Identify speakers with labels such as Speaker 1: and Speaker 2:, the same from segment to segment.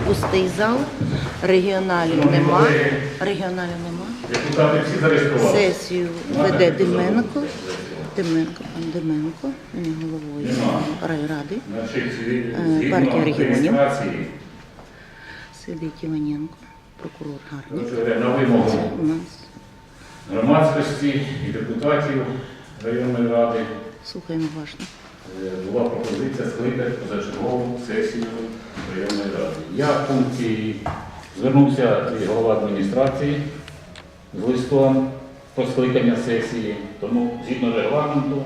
Speaker 1: пустий зал, регіоналів нема.
Speaker 2: Депутати всі зареєстрували.
Speaker 1: Сесію веде Деменко. Пан Деменко, він є головою райради. Партія регіонів. Сидить Іваненко, прокурор Гарник.
Speaker 2: На вимогу
Speaker 1: Це у нас.
Speaker 2: громадськості і депутатів районної ради
Speaker 1: Слухаємо уважно.
Speaker 2: була пропозиція скликати позачергову сесію районної ради. Я в пункті звернувся і голова адміністрації з листом про скликання сесії, тому згідно регламенту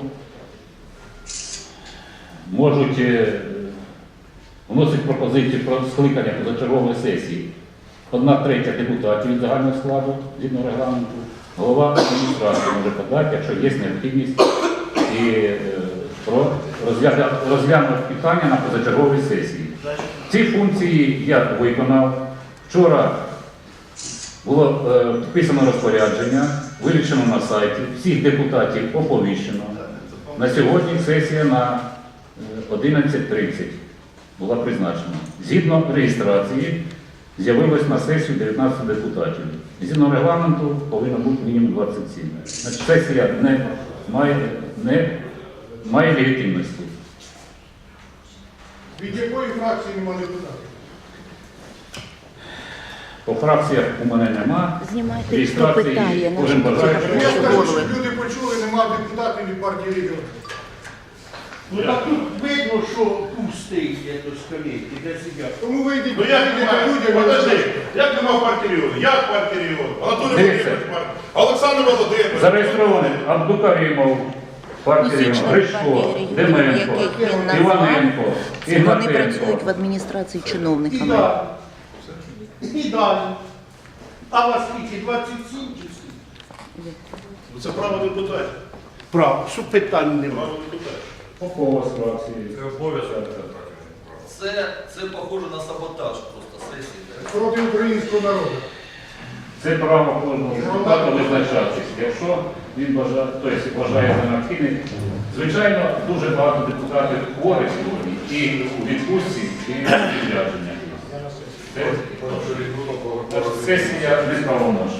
Speaker 2: можуть вносити пропозицію про скликання позачергової сесії 1/3 депутатів від загального складу, згідно регламенту, голова адміністрації може подати, якщо є необхідність, і розглянути питання на позачерговій сесії. Ці функції я виконав. Вчора було підписано розпорядження, вирішено на сайті, всіх депутатів оповіщено. На сьогодні сесія на 11:30 була призначена. Згідно реєстрації з'явилось на сесію 19 депутатів. Згідно регламенту повинно бути мінімум 27. Значить, сесія не має легітимності.
Speaker 3: Від якої фракції немає депутатів?
Speaker 2: По фракціях у мене нема.
Speaker 1: Знімайте, хто питає,
Speaker 2: кожен бажає.
Speaker 3: Я скажу, щоб люди почули, немає депутатів від партії регіонів.
Speaker 4: Ну так тут видно, що пустий, як то скамейки, де сидять.
Speaker 3: Тому вийдіть,
Speaker 5: Ну як немає?
Speaker 3: людям.
Speaker 5: Подожди, як нема в партії регіону? Як в партії регіону? Анатолій
Speaker 2: Дивіться.
Speaker 5: Володимирович партія. Олександр Володимирович.
Speaker 2: Зареєстрований Абдукарімов, партія
Speaker 1: Місячна
Speaker 2: Гришко,
Speaker 1: партія
Speaker 2: Деменко,
Speaker 1: яких він назвав.
Speaker 2: Іваненко,
Speaker 1: Вони працюють в
Speaker 2: Ігнатенко.
Speaker 1: адміністрації
Speaker 4: І
Speaker 1: чиновниками.
Speaker 4: далі. І далі. А вас скільки? 27 чи скільки?
Speaker 5: Ну, це право депутатів.
Speaker 4: Право, що питань немає.
Speaker 5: Право депутатів.
Speaker 2: Попова з фракції.
Speaker 6: Це обов'язок.
Speaker 7: Це похоже на саботаж просто сесії.
Speaker 3: Проти українського народу.
Speaker 2: Це право кожного депутата визначатись. Якщо він вважає за необхідне. Звичайно, дуже багато депутатів хворих сьогодні і у відпустці, і у відрядження. Сесія не правомочна.